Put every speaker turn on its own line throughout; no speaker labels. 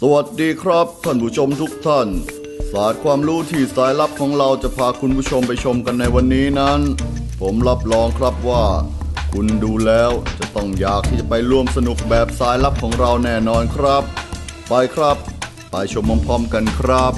สวัสดีครับท่านผู้ชมทุกท่านศาสตร์ความรู้ที่สายลับของเราจะพาคุณผู้ชมไปชมกันในวันนี้นั้นผมรับรองครับว่าคุณดูแล้วจะต้องอยากที่จะไปร่วมสนุกแบบสายลับของเราแน่นอนครับไปครับไปชมพร้อมๆกันครับ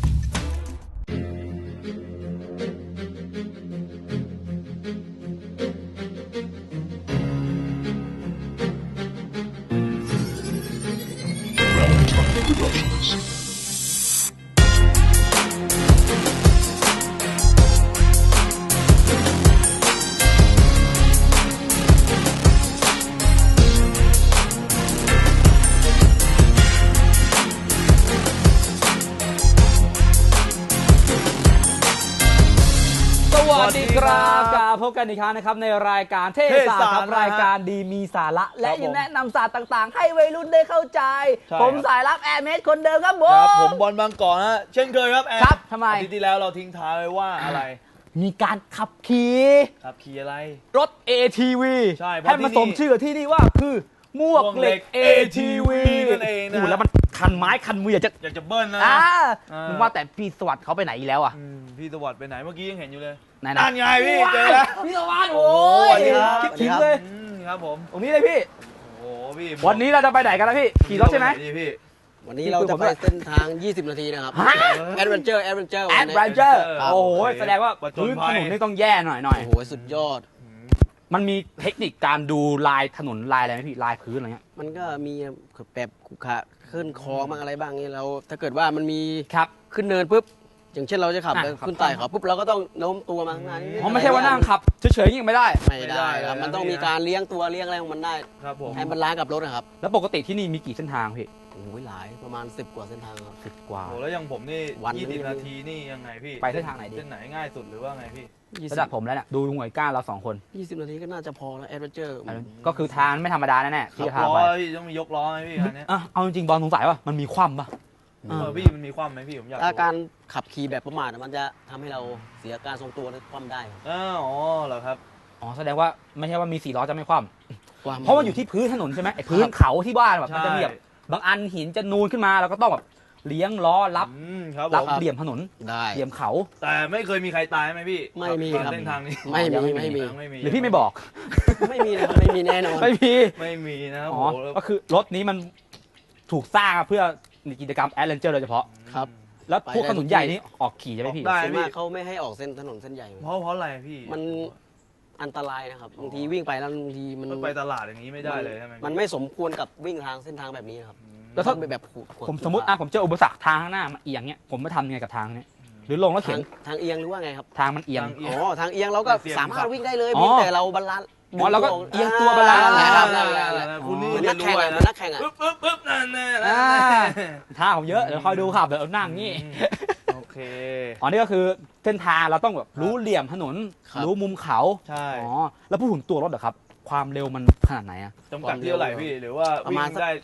สวัสดีครับกลับพบกันอีกครั้งนะครับในรายการเทศศาสตร์ครับรายการดีมีสาระและยังแนะนำศาสตร์ต่างๆให้วัยรุ่นได้เข้าใจผมสายรับแอร์เมสคนเดิมครับ
ผมบอลบางกอกนะเช่นเคยครับแอร์
ครับทำไม
อาทิตย์ที่แล้วเราทิ้งท้ายไว้ว่าอะไร
มีการขับขี่
อะไร
รถ ATV
ใช่
ให้มาสมชื่อที่นี่ว่าคือมวกเหล็ก ATV
นั่นเองนะ
แล้วมันคันไม้คันมืออยากจะ
เบิ้ลนะ
มึงว่าแต่พี่สวัสดิ์เขาไปไหนอีกแล้วอ่ะ
พี่สวัสดิ์ไปไหนเมื่อกี้ยังเห็นอยู่เลย
นั่น
ไงพี่เจอแล้ว
พี่สวัสดิ์โอ้ยคิดถึงเลย
ครับผม
ตรงนี้เลยพี่
โอ้พี่
วันนี้เราจะไปไหนกันนะพี่ขี่รถใช่ไหม
วันนี้เราจะไปเส้นทาง 20 นาทีนะครับแอดเวนเจอร์
โอ้โหแสดงว่าพื้นถนนนี่ต้องแย่หน่อย
โอ้โหสุดยอด
มันมีเทคนิคการดูลายถนนลายอะไรไหมพี่ลายพื้นอะไรเงี้ย
มันก็มีแบบขุขะขึ้นคลองบ้างอะไรบ้างนี่เราถ้าเกิดว่ามันมีขึ้นเนินปุ๊บอย่างเช่นเราจะขับขึ้นไต่เขาปุ๊บเราก็ต้องโน้มตัวมาข้างหน้า
อ๋อไม่ใช่ว่านั่งขับเฉยๆยิ่งไม่ได้
ครับมันต้องมีการเลี้ยงตัวเลี้ยงอะไรของมันได้ให้มันล้างกับรถนะครับ
แล้วปกติที่นี่มีกี่เส้นทางพี่
โอ้ยหลายประมาณ10 กว่าเส้นทางครับ
10 กว่า
โอ้แล้วอย่างผมนี่20 นาทีนี่ยังไงพี่
ไปเส้นทางไหนดี
เส้นไหนง่ายสุดหรือว่าไงพี่
ระดับผมแล้วเนี่ยดูหน่วยก้านเรา2 คน
20 นาทีก็น่าจะพอแล้วแอดเวนเจอร์
ก็คือทางไม่ธรรมดาแน่ๆ
ที่พาไปพี่ต้องมียกล้อไหมพี่คันนี้
เอาจริงๆบอลสงสัยว่ามันมีคว่ำป่ะ
พี่มันมีคว่ำไหมพี่ผมอยาก
ถ้าการขับขี่แบบประมาทมันจะทำให้เราเสียการทรงตัวและคว่ำได้
อ๋อเหรอครับ
อ๋อแสดงว่าไม่ใช่ว่ามี4 ล้อจะไม่คว่ำเพราะมันอยู่ที่พื้นถนนใช่ไหมไอ้พื้นเขาที่บ้านแบบมันจะมีแบบบางอันหินจะนูนขึ้นมาเราก็ต้องแบบเลี้ยงล้อรับเหลี่ยมถนน
ได้
เหลี่ยมเขา
แต่ไม่เคยมีใครตายไหมพี่
ไม่มีครับ
เส้นทางนี้
ไม่มี
หรือพี่ไม่บอก
ไม่มีนะไม่มีแน่นอน
ไม่มีนะ
อ๋อก็คือรถนี้มันถูกสร้างเพื่อกิจกรรมแอดเวนเจอร์โดยเฉพาะ
ครับ
แล้วพวกถนนใหญ่นี่ออกขี่ใช่ไหมพี่
ได้พี่เขาไม่ให้ออกเส้นถนนเส้นใหญ่
เพราะอะไรพี่
มันอันตรายนะครับบางทีวิ่งไปแล้วบางทีมัน
ไปตลาดอย่างนี้ไม่ได้เลยใช่ไหม
มันไม่สมควรกับวิ่งทางเส้นทางแบบนี้ครับ
แล้วถ้าแบบผมสมมติผมเจออุปสรรคทางข้างหน้ามันเอียงเนี้ยผมไม่ทำยังไงกับทางเนี้ยหรือลงแล้วเข็น
ทางเอียงหรือว่าไงครับ
ทางมันเอียง
ทางเอียงเราก็สามารถวิ่งได้เลยแต่เราบาลานซ์
เราก็เอียงตัวบาลานซ์
นะครับ
คุณนี่
นักแข่งนักแข่ง
ปึ๊บนั่น
ท่าผมเยอะเดี๋ยวคอยดูครับเดี๋ยวนั่งงี้
โอเค
นี่ก็คือเส้นทางเราต้องแบบรู้เหลี่ยมถนนรู้มุมเขา
ใช่
แล้วพูดถึงตัวรถเหรอครับความเร็วมันขนาดไหนอะ
จำกัดที่เท่าไหร่พี่หรือว่าวิ่งได้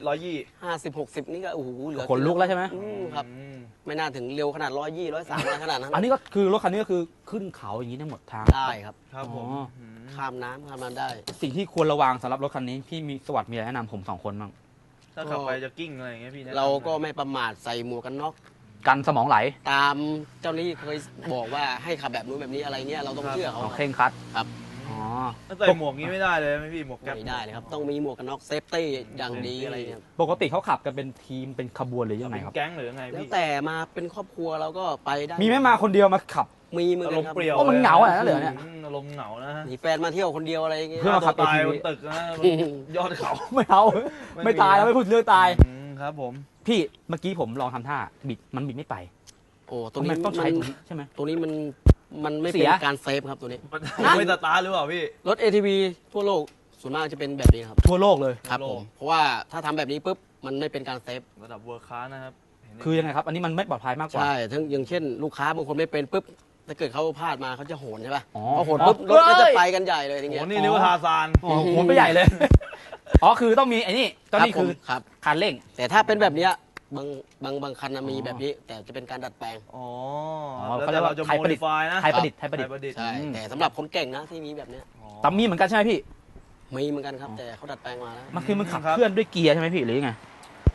150-160นี่ก็โอ้โหเหลือ
ขนลุกแล้วใช่ไหม
ครับไม่น่าถึงเร็วขนาด120-130ขนาดนั้น
อันนี้ก็คือรถคันนี้ก็คือขึ้นเขาอย่างนี้ทั้งหมดทาง
ได้ครับ
ครับผม
ข้ามน้ำได้
สิ่งที่ควรระวังสำหรับรถคันนี้พี่มีสวัสดิ์มีอะไรแนะนำผม2 คนบ้าง
ถ้าขับไปจะกิ้งอะไรอย่างเงี้ยพี่
เราก็ไม่ประมาทใส่หมวกกันน็อก
กันสมองไหล
ตามเจ้าหน้าที่เคยบอกว่าให้ขับแบบนู้นแบบนี้อะไรเงี้ยเราต้องเชื่อเขา
เคร่งครัด
ครับ
ใส่หมวกนี้ไม่ได้เลยไหมพี่หมวกแก๊ป
ไม่ได้เลยครับต้องมีหมวกกันน็อกเซฟตี้อย่างดีอะไรเงี้ย
ปกติเขาขับกันเป็นทีมเป็นขบวนหรือยังไงครับ
แก๊งหรือยังไง
พี่แต่มาเป็นครอบครัวเราก็ไปได้
มีไม่มาคนเดียวมาขับ
มีมือ
อารมณ์เปรี้ยว
มันเหงาอะไรนั่นเหรอเนี่ย
อารมณ์เหงานะ
มีแฟนมาเที่ยวคนเดียวอะไรเงี้ย
เพื่อมาขับ
ตายบนตึกนะยอดเขา
ไม่เอาไม่ตายแล้วไม่พูดเรื่องตาย
ครับผม
พี่เมื่อกี้ผมลองทำท่าบิดไม่ไป
โอ้ตัวนี้
ต้องใช้ใช่ไหม
ตัวนี้มันไม่เป็นการเซฟครับตัวนี้
ไม่สตาร์ทหรือเปล่าพี่
รถ ATV ทั่วโลกส่วนมากจะเป็นแบบนี้ครับ
ทั่วโลกเลย
ครับผมเพราะว่าถ้าทำแบบนี้ปุ๊บมันไม่เป็นการเซฟ
ระดับเวิร์คคลาสนะครับ
คือยังไงครับอันนี้มันไม่ปลอดภัยมากกว่า
ใช่ทั้งอย่างเช่นลูกค้าบางคนไม่เป็นปุ๊บถ้าเกิดเขาพลาดมาเขาจะโหนใช่ป่ะพอโหนปุ๊บรถก็จะไปกันใหญ่เลยอย่างเงี้ย
นี่นึกว่าทาซาน
โหนไปใหญ่เลยคือต้องมีไอ้นี่ตอนนี้คือคันเร่ง
แต่ถ้าเป็นแบบนี้บางคันมีแบบนี้แต่จะเป็นการดัดแปลง
เขาเรียกว่าไทยประดิษฐ์ไทยประดิษฐ์
ใช่แต่สำหรับคนเก่งนะที่มีแบบนี้
แต่มีเหมือนกันใช่ไหมพี่
มีเหมือนกันครับแต่เขาดัดแปลงมาแล้ว
มันคือมันขับเคลื่อนด้วยเกียร์ใช่ไหมพี่หรือยังไง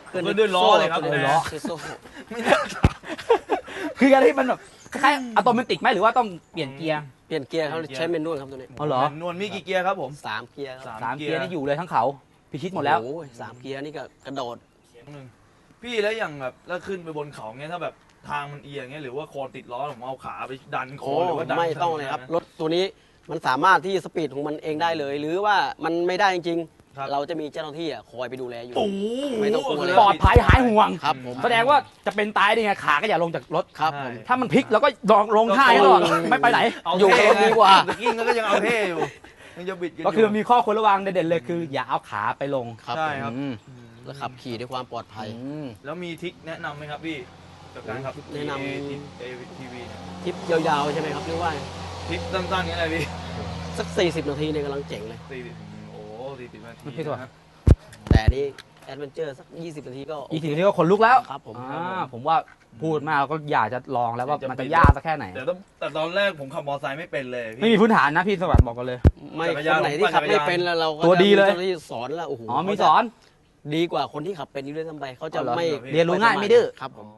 ขึ้น
ขึ้นด้วยล้อเลยครับ
ขึ้นด้วย
ล้อ
โซ่
ไม่น่าถาม
คือการที่มันแบบคล้ายๆอัตโนมัติไหมหรือว่าต้องเปลี่ยนเกียร์
เปลี่ยนเกียร์เขาใช้เมนนวลครับตัวนี้
อ๋อเหรอ
นวลมีกี่เกียร์ครับผม
3 เกียร์ครับ
สามเกียร์นี่อยู่เลยทั้งเขาพิชิตหมดแล้ว
โอ้ย3 เกียร์นี่ก็กระโดด
หนึ่งพี่แล้วอย่างแบบแล้วขึ้นไปบนเขาเงี้ยถ้าแบบทางมันเอียงเงี้ยหรือว่าโคนติดล้อผมเอาขาไปดันโค
โอ้
นหรือว่าดัน
ไม่ต้องเลยครับรถตัวนี้มันสามารถที่สปีดของมันเองได้เลย หรือว่ามันไม่ได้จริงๆเราจะมีเจ้าหน้าที่คอยไปดูแลอยู่
โอ้โห
ไม่ต้องกลัวเลย
ปลอดภัยหายห่วง
ครับผม
แสดงว่าจะเป็นตายได้ไงขาก็อย่าลงจากรถ
ครับผม
ถ้ามันพลิกแล้วก็ลงท่าให้ตลอดไม่ไปไหน
เอา
อยู่กับรถดีกว่า
ตะกี้ก็ยังเอาเท่อยู่ยังจะบิดกัน
ก็คือมีข้อควรระวังเด่นๆเลยคือ อย่าเอาขาไปลง
ครับ
ใช่ครับ
อืม
แล้วขับขี่ด้วยความปลอดภัย
อืม
แล้วมีทริคแนะนำไหมครับพี่กับการขับ
แนะนำ
เอทีวี
ทริปยาวๆใช่ไหมครับหรือว่า
ทริปสั้นๆนี้อะไรพี่
สัก 40 นาทีเนี่ยกำลังเจ๋งเลย
40โอ้40นาที
พี่ตัว
นะครับ
แต่นี่แอดเวนเจอร์สัก 20 นาทีก็
อีกทีนี้ก็ขนลุกแล้ว
ครับผม
ผมว่าพูดมากก็อยากจะลองแล้วว่ามันจะยากสักแค่ไหน
แต่ตอนแรกผมขับมอเตอร์ไซค์ไม่เป็นเลย
ไม่มี
พี่
พื้นฐานนะพี่สวัสดิ์บอกกันเลย
ไม่
จักราน
คนไหนที่ขับไม่เป็นแล้วเราก็
ตัวดีเลย
จะมีจ้าหน้าที่สอนแล้วโอ้โห
อ๋อมีสอน
ดีกว่าคนที่ขับเป็นอยู่ด้วยซ้ำไปเขาจะ
อ๋อเหรอ
ไม่
เรียนรู้ง่ายไม่ดื้อ
ครับผม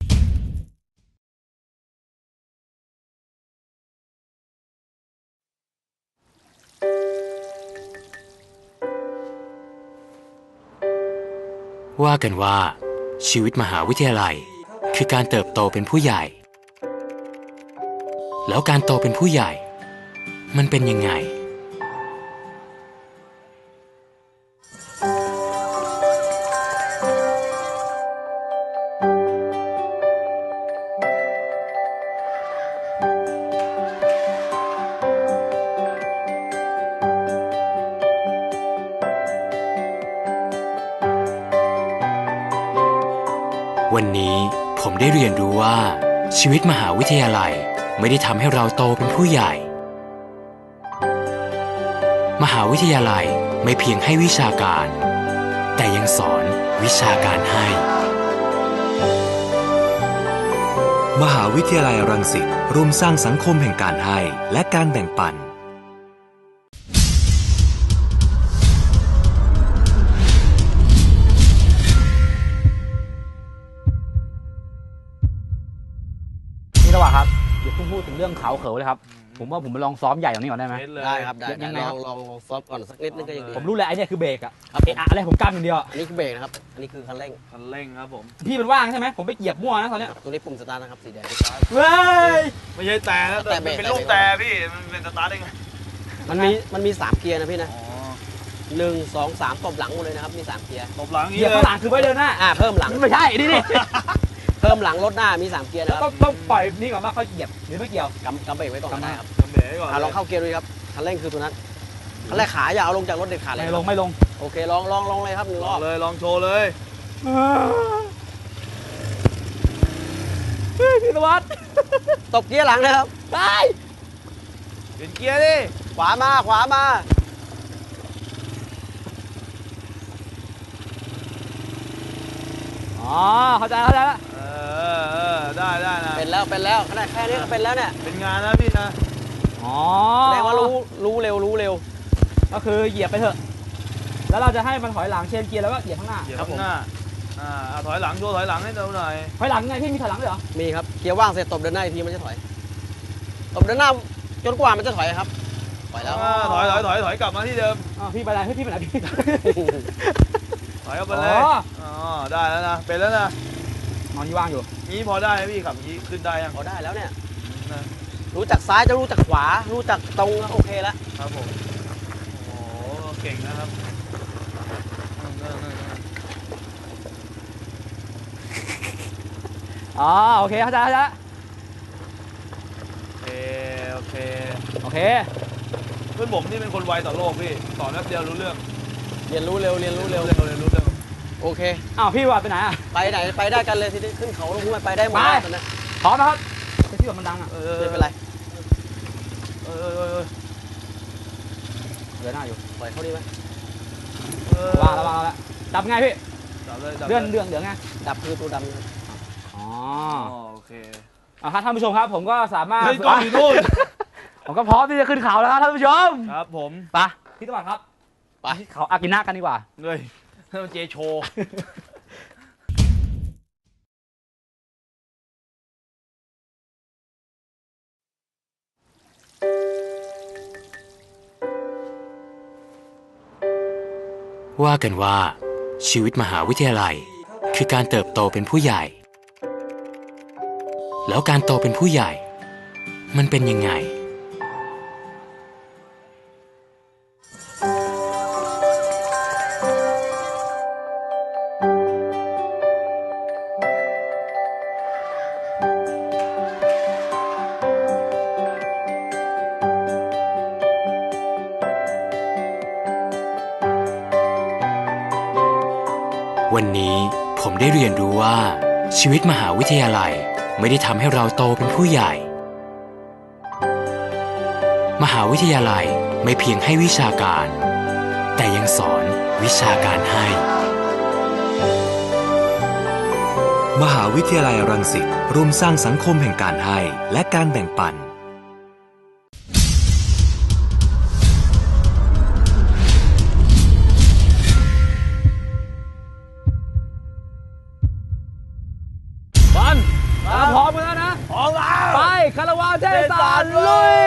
ว่ากันว่าชีวิตมหาวิทยาลัยคือการเติบโตเป็นผู้ใหญ่ แล้วการโตเป็นผู้ใหญ่ มันเป็นยังไง วันนี้ผมได้เรียนรู้ว่าชีวิตมหาวิทยาลัยไม่ได้ทำให้เราโตเป็นผู้ใหญ่ มหาวิทยาลัยไม่เพียงให้วิชาการ แต่ยังสอนวิชาการให้ มหาวิทยาลัยรังสิตร่วมสร้างสังคมแห่งการให้และการแบ่งปัน
นี่ระหว่างครับอย่าเพิ่งพูดถึงเรื่องเขาเขิวเลยครับ ผมว่าผมไปลองซ้อมใหญ่ตรงนี้ก่อนได้ไหม
เทสเลย
ได้ครับได้
ยังไง
ล
ครั
อบ งซอฟต์ก่อนสักนิดนึงก็ยังดี
ผมรู้เลยไอ้เนี่ยคือเบรกอะ
ครับ
เอะอะอะไรผมกล้ามอย่างเดียวอะ
อันนี้คือเบรกนะครับอันนี้คือคันเร่ง
คันเร่งครับผม
พี่มันว่างใช่ไหมผมไปเหยียบมั่วนะตอนเนี้ย
ตัวนี้ปุ่มสตาร์ทนะครับสีแดง
เว้ย
ไม่ใช่แต่นะแต่
แต่เบรก
เป็นลูกแต่พี่มันเป็นสตาร์ทได้ไง
มันมี3 เกียร์นะพี่นะ
อ๋อ
1 2 3ตบหลังหมดเลยนะครับมี3 เกียร์
ตบหลังอย่าง
เหยี
นี้
ยบ
เล
ข้างหลังคือไว้เดินหน้า
เพิ่มหลัง
ไม่ใช่นี่นี่
เพิ่มหลังรถหน้ามี3 เกียร์นะครับ
ต้องปล่อยนี่ก่อนว่าเขาเหยียบหรือไม่เกี่ยว
กำเบรกไว้ก่อนก็ได้ครับ
ทำเบรกก่อน
ลองเข้าเกียร์ดูครับคันเร่งคือตัวนั้นคันแรกขาอย่าเอาลงจากรถเด็ดขาดเลย
ไม่ลงไม่ลง
โอเคลองเลยครับ1 ร
ล
อ
อง
บ
เลยลองโชว์เลย
เฮ้ยพี่นวัด
ตบเกียร์หลังนะครับ
ได้
เปลี่ยนเกียร์ดิ
ขวามา
อ๋อเข้าใจแล้ว
ได้นะ
เป็นแล้วขนาดแค่นี้ก็เป็นแล้วเนี่ย
เป็นงานนะพี่นะ
อ๋อ
แสดงว่ารู้เร็ว
ก็คือเหยียบไปเถอะ แล้วเราจะให้มันถอยหลังเชนเกียร์แล้วก็เหยียบข้างหน้า
เกียร์ข้างหน้าถอยหลังโชว์ถอยหลังให้ดูหน่อย
ถอยหลังไงพี่มีถอยหลังด้วยเหรอ
มีครับเกียร์ว่างเสร็จตบเดินหน้าอีกทีมันจะถอยตบเดินหน้าจนกว่ามันจะถอยครับถอยแล้ว
ถอยกลับมาที่เดิม
อ๋อพี่ไปไหนพี่ไปไหนพี่
ถอยกลับไปเลย อ๋อ ได้แล้วนะ เป็นแล้วนะ
นอนที่ว่างอยู่
นี้พอได้ไหมพี่ขับนี้ขึ้นได้ยัง
พอได้แล้วเนี่ย
นะ
รู้จักซ้ายจะรู้จักขวา รู้จักตรงโอเคแล้ว
ครับผม โอ้โห เก่งนะครับ
อ๋อโอเคเข้าใจแล้ว
โอเค
โอเค
เพื่อนผมนี่เป็นคนไวต่อโลกพี่ สอนแป๊บเดียวรู้เรื่อง
เรียนรู้เร็ว
เรียนรู้เรื่อง
โอเค
อ้าวพี่ว่าไปไหนอ่ะ
ไปไหนไปได้กันเลยทีนี้ขึ้นเขาลงห้วยไปได้หมด
ไป
ตอนนี้
พร้อมนะครับแต่ที่แบบมันดังอ่ะ
ไม่เป็นไร
เดินหน้าอยู่
ปล่อยเขาดีไหม
วางแล้วจับไงพี่
จับเลย
เดือนไง
ดับคือตัวดำนะครับ
อ๋อ
โอเค
ครับท่านผู้ชมครับผมก็สามารถ
เฮ้ยกล้องอยู่นู่น
ผมก็พร้อมที่จะขึ้นเขาแล้วครับท่านผู้ชม
ครับผม
ไปพี่ตะวันครับ
ไป
เขาอากินะกันดีกว่า
เลยให้มันเจโชว์
ว่ากันว่าชีวิตมหาวิทยาลัยคือการเติบโตเป็นผู้ใหญ่ แล้วการโตเป็นผู้ใหญ่ มันเป็นยังไงวันนี้ผมได้เรียนรู้ว่าชีวิตมหาวิทยาลัยไม่ได้ทำให้เราโตเป็นผู้ใหญ่ มหาวิทยาลัยไม่เพียงให้วิชาการ แต่ยังสอนวิชาการให้
มหาวิทยาลัยรังสิตร่วมสร้างสังคมแห่งการให้และการแบ่งปัน
พร้อมกันแล้วนะ
พร้อมแล้ว
ไปคาราวานเทศศาสตร์ลุย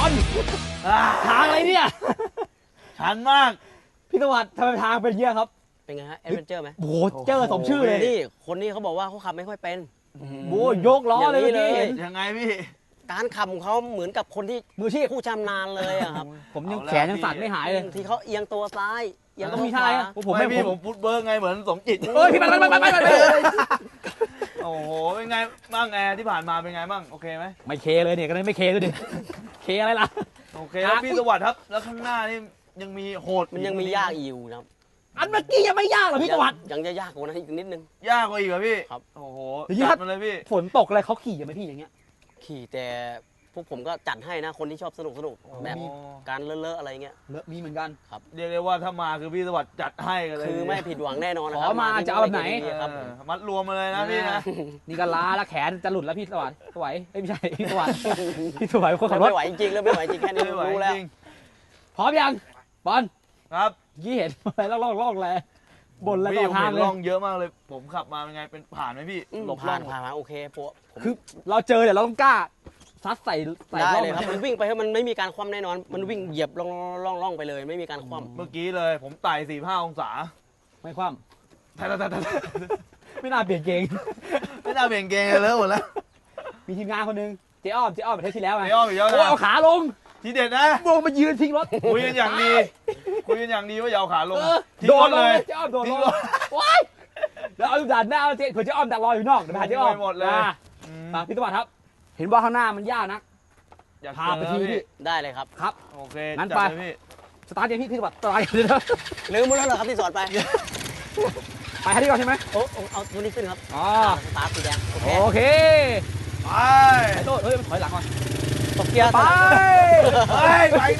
อนทางอะไรเนี่ย
ชันมาก
พี่สวัสดิ์ทำไมทางเป็นเงี้ยครับ
เป็นไงฮะแอดเวนเจอร์ไหม
โอ้โหเจอสมชื่อเลย
นี่คนนี้เขาบอกว่าเขาขับไม่ค่อยเป็น
โอ้ยกล้อเลย
อย่างนี้
เมื่อกี้
เลย
เห็น
ยังไงพี่
การขับของเขาเหมือนกับคนที่
มืออาชีพ
ผู้ชำนาญเลยอะครับ
ผมยัง
เอาแล้ว
แขนยังสั่นไม่หายเลย
ที่เขาเอียงตัวซ้ายเอียง
ต้
ตั
อง
ว
มี
ข
ท่าอะไร
วา
นะผม
ไม่
ไม่
พี่
ผ
ผม มฟุตเบิร์กไงเหมือนสมจิต
เอ้ยพี่ไป
โอ้โหเป็นไงบ้างแอร์ที่ผ่านมาเป็นไงบ้างโอเคไหม
ไม่เคเลยเนี่ยก็เลยไม่เคด้วยดิเคอะไรล่ะ
โอเคแล้วพี่สวัสดิ์ครับ แล้วข้างหน้านี่ยังมีโหด
มันยังมียากอยู่นะครับ
อันเมื่อกี้ยังไม่ยากเหรอพี่สวัสดิ์
ยังจะยากกว่านั้นอีกนิดนึง
ยากกว่าอีกเหรอพี่
ครับ
โอ้โห
อย่างนี้ค
จั
รั
ด
บ
มาเลยพี่
ฝนตกอะไรเขาขี่ยังไหมพี่อย่างเงี้ย
ขี่แต่พวกผมก็จัดให้นะคนที่ชอบสนุกแบบการเลอะๆอะไรเงี้ย
เลอะมีเหมือนกัน
เรียกได้ว่าถ้ามาคือพี่สวัสดิ์จัดให้กันเลย
คือไม่ผิดหวังแน่นอนนะค
ข
รั
อมาจะเอาแบบไหน
ครับ
มัดรวมมาเลยนะพี่นะ
นี่ก็ล้าแล้วแขนจะหลุดแล้วพี่สวัสดิ์สวยเอ้ยไม่ใช่พี่สวัสดิ์พี่สวัสดิ์เป็นคนขับรถ
ไม่ไหวจริงๆแล้วไม่ไหวจริงแค่นี้
ไม่ไหว
รู้แล้ว
จริง
พร้อมยังบอล
ครับ
ยี่เห็นอะไรล่องแลบนแล้ว
พี่
ต่อ
ผม
ทาง
เห็น
เลย
ร่องเยอะมากเลย ผมขับมาเป็นไงเป็นผ่านไหมพี่หลบร่
ผ่า
อน ง
ผ่านมาโอเคพวกผม
คือเราเจอเดี๋ยวเราต้องกล้าซัดใส่
ได้
ร่อง
เลยครับมันวิ่งไปให้มันไม่มีการคว่ำแน่นอน มันวิ่งเหยียบล่องไปเลย ไม่มีการคว่
เมื่อกี้เลยผมไต่45 องศา
ไม่คว่
แต่
ำไม่น่าเปลี่ยนเกง
ไม่น่าเบี่ยงเกงเลยหมดแล้ว
มีทีมงานคนหนึงเจ๊อ้อมประเทศที่แล้วไง
เดี๋ยวอีกแล้ว
โอ้ย
นะ
เอาขาลง
ทีเด็ดนะ
ลงมายืนทิ้งรถ
คุยกันอย่างดีคุยกันอย่างดีว่าอย่าเอาขาลง
เออ
ทิ้ง
โด
ร
น
ถ
ล
เล
ง
ย
เลยเจ๊อ้อมโดนล
ทิ้
ง
งรถ
ว้ายแล้วเอาด่านหน้าเจ๊เผื่อเจ๊อ้อมดักรออยู่นอกเดี๋ยวไปหาเจ๊อ้อม
ไปหมดเลย
อ่ะมาพี่สวัสดิ์ครับ เห็นว่าข้างหน้ามันยากนัก
อยาก
พาไปทีพี่
ำได้เลยครับ
ครับ
โอเค
งั้น
จัด
ไป
เลยพี่
สตาร์ทเดี๋ยวพี่สวัสดิ์สตาร์ทเดี๋ยวนะ
ลืมหมดแล้วเหรอครับที่สอนไป
ไปให้ดีก่อนใช่ไหม
เอาตัวนี้ขึ้นครับ
อ๋อ
สตาร์ทสีแดงโอเค
โอเค
ไป
ไอ้โต้เฮ้ยมันถอยหลังก่อน
ตบเกียร์
ไป
เฮ้ยไปนะ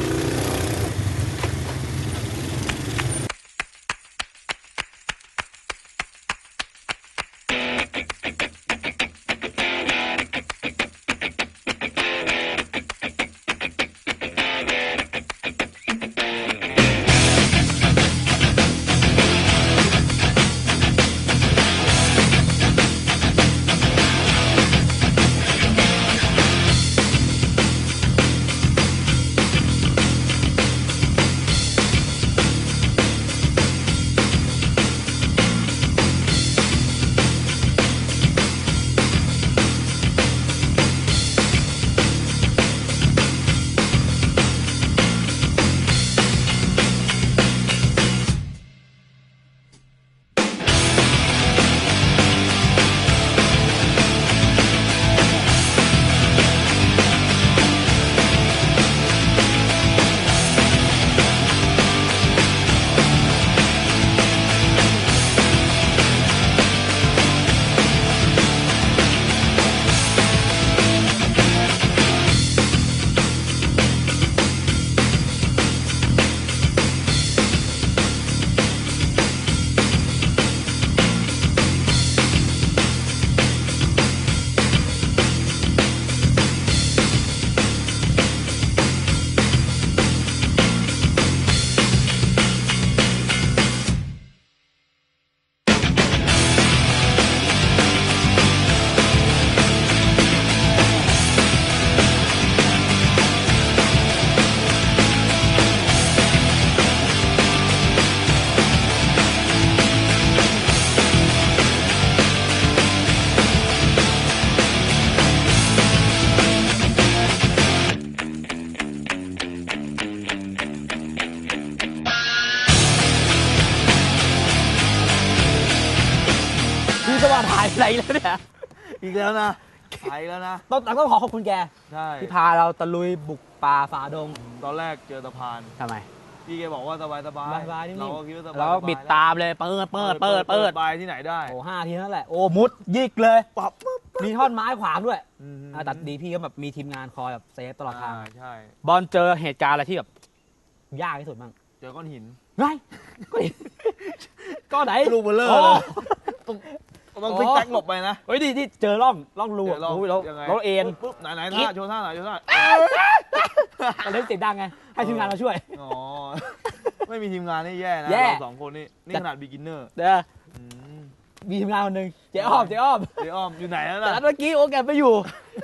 พี่สวัสดิ์หายไปไหนแล้วเนี่ย
อีกแล้วนะไปแล้วนะ
ต้องขอขอบคุณแก
ใช่
ที่พาเราตะลุยบุกป่าฝ่าดง
ตอนแรกเจอสะพาน
ทำไม
พี่แกบอกว่าสบาย
สบายๆนิ่มๆ
เราก็คิดว่าสบาย
เราก็บิดตามเลยเปิด
ไปที่ไหนได้
โอ้5 ทีนั่นแหละโอ้มุดยิกเลยมีท่อนไม้ขวางด้วยแต่ดีพี่ก็แบบมีทีมงานคอยแบบเซฟตลอดทาง
ใช่
บอลเจอเหตุการณ์อะไรที่แบบยากที่สุดบ้าง
เจอก้อนหิน
ไงก็ไหน
ลูกเบลเลอร์
โอ้
เลยต้องซิกแซกหลบไปนะ
เฮ้ยนี่เจอร่องรู
เดี๋ยวลอง
โอ้ยเรา
ยังไง
เราเอ็น
ปุ๊บไหนท่าโชว์ท่าไหนโชว์ท่า
เราเล่นเสียงดังไงให้ทีมงานเราช่วย
อ๋อไม่มีทีมงานนี่แย่นะ
แย่
เราสองคนนี่ขนาดบิ๊กินเนอร์
เด้อมีทีมงานคนหนึ่งเจ๊อ้อม
เดี๋ยวอ้อมอยู่ไหนแล้ว
แต่
ล่ะ
เมื่อกี้โอแกไปอยู่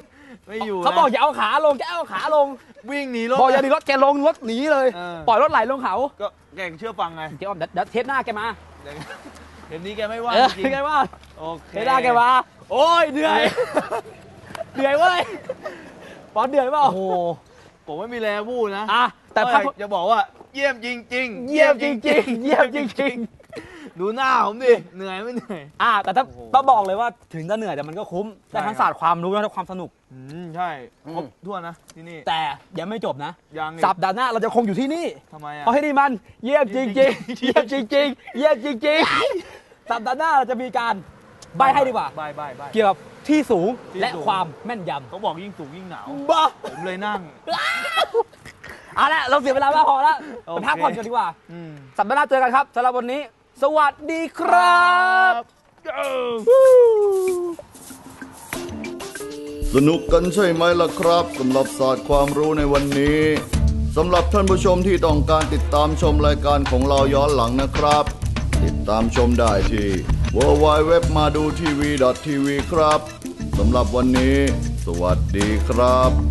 ไม่อยู่นะ
เขาบอกอย่าเอาขาลงแกเอาขาลง
วิ่งหนีรถ
บอกอย่าหนีรถแกลงรถหนีเลย
เออ
ปล่อยรถไหลลงเขา
ก็แกงเชื่อฟังไง
เดี๋ยวเดี๋ยวเทปหน้าแกมา
เห็นนี้แกไม่ว่า
เออ
จริง
แกว่า
โอเค
เทปหน้าแกมาโอ้ยเหนื่อยเหนื่อยเว้ยปอนเหนื่อยเปล่า
โอ้โหผมไม่มีแรงพูดนะ
อ่ะแต่
ก็
ภาพ
จะบอกว่าเยี่ยมจริงๆ
เยี่ยมจริงๆเยี่ยมจริง
ดูหน้าผมดิเหนื่อยไม่เหนื่อย
ๆแต่ถ้า
โอ้โห
ต้องบอกเลยว่าถึงจะเหนื่อยแต่มันก็คุ้มได้ทั้ง
ใช่ครับ
ศาสตร์ความรู้และทั้งความสนุก
ใช่ครบทั่วนนะที่นี่
แต่ยังไม่จบนะ
ยังอีก
สัปดาห์หน้าเราจะคงอยู่ที่นี่
ทำไมอ่ะ
เพราะที่นี่มันเยี่ยมจริงๆเยี่ยมจริงๆเยี่ยมจริงๆสัปดาห์หน้าเราจะมีการใบให้ดีกว่า
บายบายบาย
เกี่ยวกับที่สูง
ที่
และ
สูง
ความแม่นย
เขาบอกยิ่งสูงยิ่งหนาว
ำบ้า
ผมเลยนั่ง
เอาละเราเสียเวลามากพอแล้ว
โอ
ไป
เค
พักผ่อนกันดีกว่า
อืม
สัปดาห์หน้าเจอกันครับสำหรับวันนี้ สวัสดีครับ
สนุกกันใช่ไหมล่ะครับสำหรับศาสตร์ความรู้ในวันนี้สำหรับท่านผู้ชมที่ต้องการติดตามชมรายการของเราย้อนหลังนะครับ ติดตามชมได้ที่ www.madutv.tv ครับสำหรับวันนี้ สวัสดีครับ